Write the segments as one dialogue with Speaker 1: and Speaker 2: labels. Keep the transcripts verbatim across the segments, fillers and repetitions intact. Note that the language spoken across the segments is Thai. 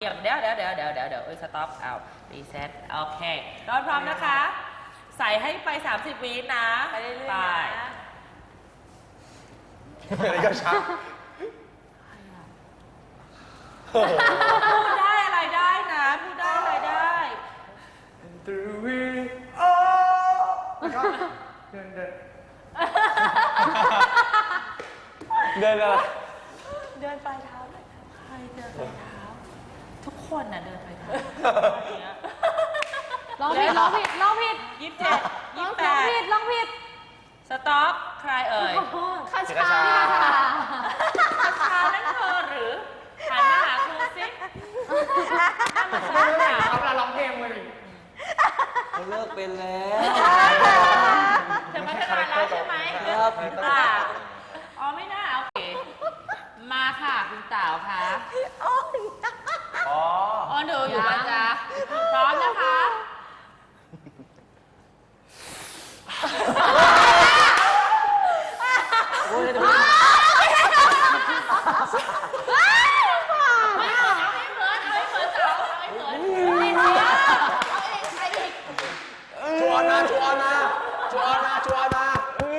Speaker 1: เดี๋ยวเดี๋ยวเดี๋ยวเดี๋ยวเดี๋ยวเดี๋ยวเอ้ยสต็อปเอารีเซ็ตโอเครอนพร้อมนะคะ ใส่ให้ไปสามสิบวินะไปเรื่อยๆนะ
Speaker 2: อะไรก็ชัก
Speaker 1: พูดได้อะไรได้นะพูดได้อะไรได้
Speaker 2: ตรูวีโอ้เดินเดินเดินอะไร
Speaker 1: เดินปลายเท้าใครเดินปลายเท้าทุกคนน่ะเดินปลายเท้า
Speaker 3: ลองผิดลองผิดลองผิด
Speaker 1: ยี่สิบเจ็ดยี่สิบแปด
Speaker 3: ลองผิดลองผิด
Speaker 1: สต็อปใครเอ่ย
Speaker 3: คาชา
Speaker 1: คาชานั่นเธอหรือหันมาหาครูสินั่งมาข้างหลัง
Speaker 2: เขาเราร้องเพลงมาดิ
Speaker 4: เขาเลิกเป็นแล้ว
Speaker 1: เธอมาทำงานแล้วใช่ไหม
Speaker 4: ครับ
Speaker 1: อ่าอ๋อไม่น่าโอเคมาค่ะคุณเต๋าค่ะ
Speaker 2: อ๋อ
Speaker 1: อ๋อดูอยู่นะจ๊ะพร้อมนะคะ
Speaker 4: โอ้ยดู
Speaker 2: ชัวร์นะชัวร์นะชัวร์นะชัวร์นะ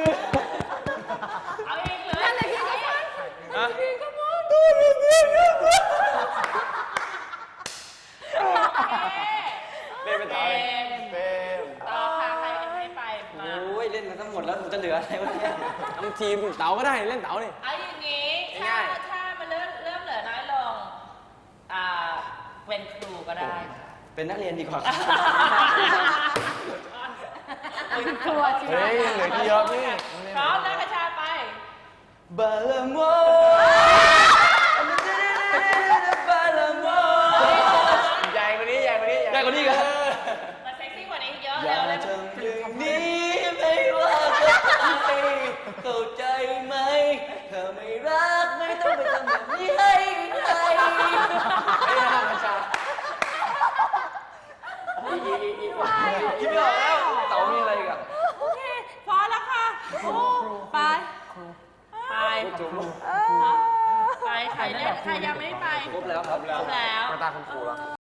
Speaker 1: เอาเองเลย
Speaker 3: นั่นเลยพี่ก็ฟังพี่ก็ฟัง
Speaker 2: เล่นเป็นต่อเลยเป็น
Speaker 1: ต่อค่ะใครให้ไปมา
Speaker 4: โอ้ยเล่นมาทั้งหมดแล้วมันจะเหลืออะไรวะเนี่ยทั้งทีมเต๋าก็ได้เล่นเต๋าดิ
Speaker 1: เอาอย่างนี้ถ้าถ้ามันเริ่มเริ่มเหลือน้อยลงอ่าเป็นครูก็ได้
Speaker 4: เป็นนักเรียนดีกว่า
Speaker 1: เป็นครู
Speaker 2: เฮ้ยเหลือที่เยอะพี่
Speaker 1: พร้อมนะกระชาไป
Speaker 4: บาลาโมบาลาโม
Speaker 2: ใหญ่กว่านี้ใหญ่กว่านี้
Speaker 4: ใหญ่กว่านี้กัน
Speaker 1: มันเซ็กซี่กว่านี้เยอะ
Speaker 4: อย่าทำอย่างนี้ไม่ว่าจะใครเข้าใจไหมเธอไม่รักไม่ต้องไปทำแบบนี้ให้ใคร
Speaker 2: ไม่ได้ทำกัญชา
Speaker 4: อีกอีกอีกอีกไม่ออกแล้วเต๋ามีอะไรกับ
Speaker 1: โอเคพอแล้วค่ะไปไปไปใครเล่นใครยังไม่ไป
Speaker 4: ครบแล้วครับ
Speaker 1: ครบแล้ว
Speaker 2: มาตาคุณครูแล้ว